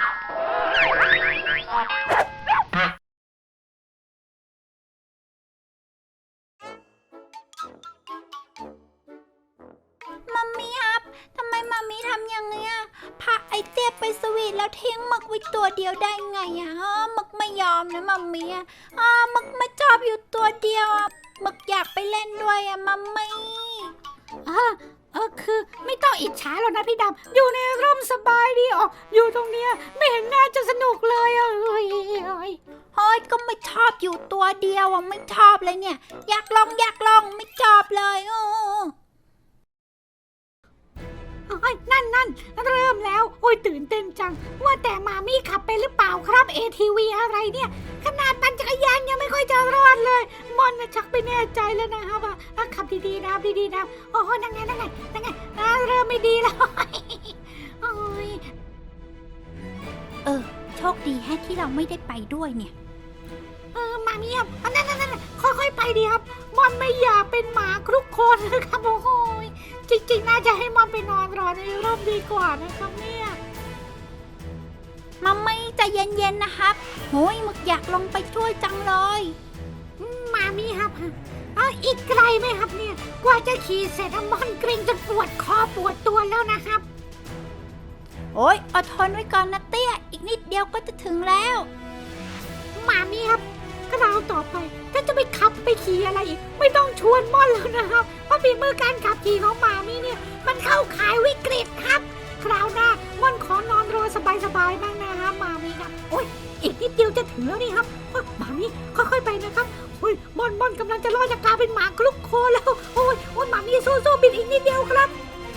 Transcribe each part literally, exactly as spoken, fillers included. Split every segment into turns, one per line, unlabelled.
มัมมี่ครับทำไมมัมมี่ทำอย่างเงี้ยพาไอเตี้ยไปสวีทแล้วทิ้งหมึกไว้ตัวเดียวได้ไงอ่ะหมึกไม่ยอมนะมัมมี่อ่ะหมึกไม่ชอบอยู่ตัวเดียวอ่ะหมึกอยากไปเล่นด้วยอ่ะมัมมี่เออเออคือไม่ต้องอิจฉาหรอกนะพี่ดำอยู่ในร่มสบายดีออกอยู่ตรงเนี้ยไม่เห็นน่าจะสนุกเลยอ่ะเฮ้ยเฮ้ยเฮ้ยก็ไม่ชอบอยู่ตัวเดียวอ่ะไม่ชอบเลยเนี่ยอยากลองอยากลองไม่ชอบเลยโอ้โอ้ยนั่นนั่นเริ่มแล้วโอ้ยตื่นเต้นจังว่าแต่มามี่ขับไปหรือเปล่าครับ เอ ที วี อะไรเนี่ยขนาดปั่นจักรยานยังไม่ค่อยจะรอดเลยมอนนะชักไปแน่ใจแล้วนะครับว่าขับดีๆนะดีๆนะโอ้ยนั่งไงนั่งไงนั่งไงเริ่มไม่ดีแล้วโอ้ยเออโชคดีแฮะที่เราไม่ได้ไปด้วยเนี่ยเออมามี่ครับนั่นนั่นนั่นค่อยๆไปดีครับมอนไม่อยากเป็นหมาครุกโคลนนะครับโอ้ยจริงๆน่าจะให้มอนไปนอนรอในร่มดีกว่านะครับเนี่ยมัมมี่ใจเย็นๆนะครับโหยมึกอยากลงไปช่วยจังเลยมามี่ครับเอออีกไกลไหมครับเนี่ยกว่าจะขี่เสร็จมอนเกรงจนปวดคอปวดตัวแล้วนะครับโอ้ยอดทนไว้ก่อนนะเตี้ยอีกนิดเดียวก็จะถึงแล้วมามี่ครับคราวต่อไปถ้าจะไปขับไปขี่อะไรอีกไม่ต้องชวนม่อนแล้วนะครับเพราะฝีมือการขับขี่ของมามี่เนี่ยมันเข้าขายวิกฤตครับคราวหน้าม่อนขอนอนรอสบายๆบ้างนะครับมามี่ครับโอ้ยอีกนิดเดียวจะถึงแล้วนี่ครับมามี่ค่อยๆไปนะครับโอ้ยม่อนม่อนกำลังจะรอดจากการเป็นหมาคลุกโคแล้วโอ้ยโอ้ยมามี่สู้ๆบินอีกนิดเดียวครับ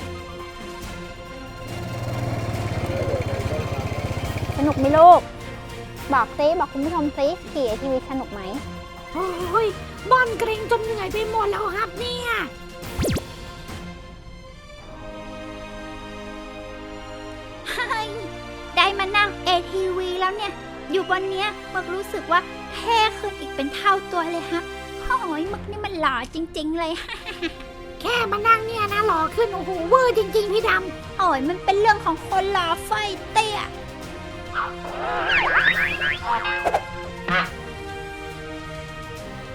สนุกไหมลูกบอกซิบอกคุณผู้ชมซิขี่ไอทีวีสนุกไหม
โอ้ยบอนเกรงจนเหนื่อยไปหมดแล้วครับเนี่ยได้มานั่ง เอ ที วี แล้วเนี่ยอยู่บนเนี้ยมึกรู้สึกว่าเท่ขึ้นอีกเป็นเท่าตัวเลยฮะโอ้ยมึกนี่มันหล่อจริงๆเลยแค่มานั่งเนี่ยนะหล่อขึ้นโอ้โหเวอร์จริงๆพี่ดำโอ้ยมันเป็นเรื่องของคนหล่อไฟเตี้ย